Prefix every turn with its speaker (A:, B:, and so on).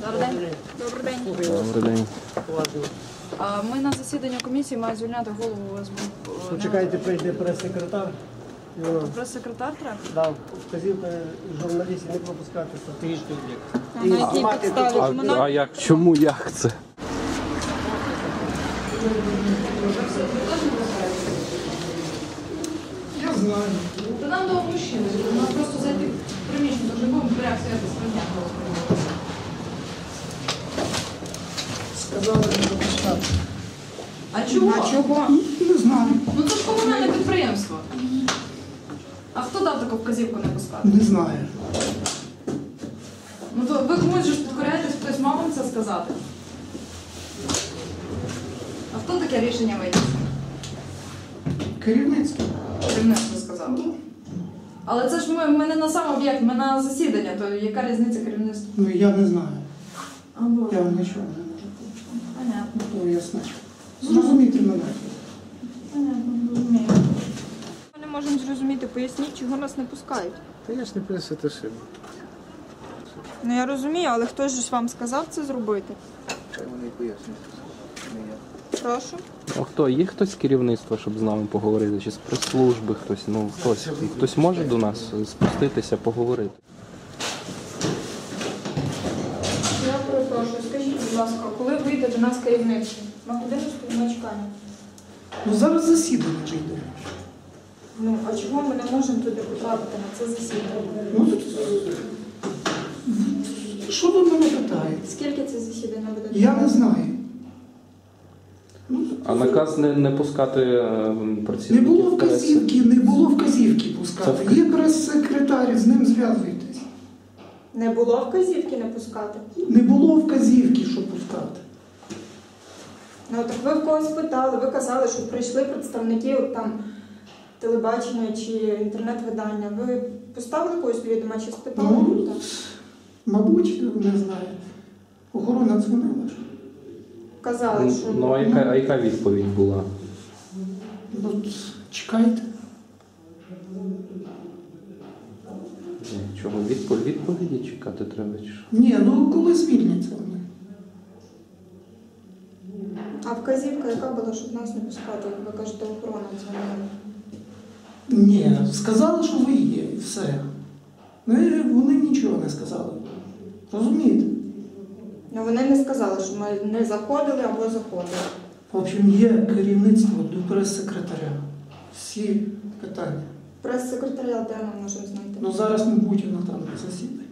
A: Добрий день. Добрий день.
B: Добрий день.
A: Ми на засіданні комісії мають звільняти голову ОСБУ.
C: Почекайте, прийде прес-секретар.
A: Прес-секретар треба?
C: Дав вказівку журналістів не пропускати стратегічний об'єкт.
A: На якій підставі?
B: Чому як це?
C: Я знаю.
A: Та нам до мужчини. У нас просто зайти в приміщення, то вже будемо порядок свято сприйняти.
C: Сказали не пропускати.
A: А чого?
C: А чого? Не знаю.
A: Ну це ж комунальне підприємство. А хто дав таку вказівку не пускати?
C: Не знаю.
A: Ну то ви комусь же ж підкоряєтесь, хтось мав вам це сказати. А хто таке рішення виніс?
C: Керівництво.
A: Керівництво сказало. Але це ж ми не на сам об'єкт, ми на засідання, то яка різниця керівництва?
C: Ну я не знаю.
A: А, Боже.
C: Я вам нічого не можу
A: Понятно.
C: пояснити. Зрозумійте мене.
A: Понятно, розумію. Ми не можемо зрозуміти, поясніть, чого нас не пускають.
C: Та я ж не преситишив.
A: Ну я розумію, але хтось же ж вам сказав це зробити.
C: Хай вони пояснюють. Не я.
A: Прошу.
B: А хто? Є хтось з керівництва, щоб з нами поговорити? Чи з прес-служби хтось? Ну, хтось може до нас спуститися, поговорити?
A: Я перепрошую, скажіть, будь ласка, коли вийде до нас керівництво? На годину стоїмо чекання.
C: Ну зараз засідання ж йде.
A: Ну, а чого ми не можемо туди потрапити на це засідання?
C: Ну тут... Що ви мене питаєте?
A: Скільки це засідання буде?
C: Я не знаю.
B: А наказ не пускати
C: Не
B: працівників
C: було вказівки, не було вказівки пускати. Є прес-секретар, з ним зв'язуйтесь.
A: Не було вказівки не пускати?
C: Не було вказівки, що пускати.
A: Ну, так ви в когось питали, ви казали, що прийшли представники там телебачення чи інтернет-видання. Ви поставили когось відома чи спитали?
C: Ну, мабуть, не знаю. Охорона дзвонила ж.
A: Казали, що...
B: Ну, а яка відповідь була?
C: Ну, чекайте.
B: Чого? Відповіді чекати треба? Чи що?
C: Ні, ну коли звільняться вони?
A: А вказівка яка була, щоб нас не пускати, як ви кажете, охорона дзвонила?
C: Ні, сказали, що ви є, і все. Ну, вони нічого не сказали. Розумієте?
A: Ну, вони не сказали, що ми не заходили або заходили.
C: В общем, є керівництво до прес-секретаря. Всі питання.
A: Прес-секретаріат де ми можемо знайти?
C: Ну зараз, мабуть, вона там засідає.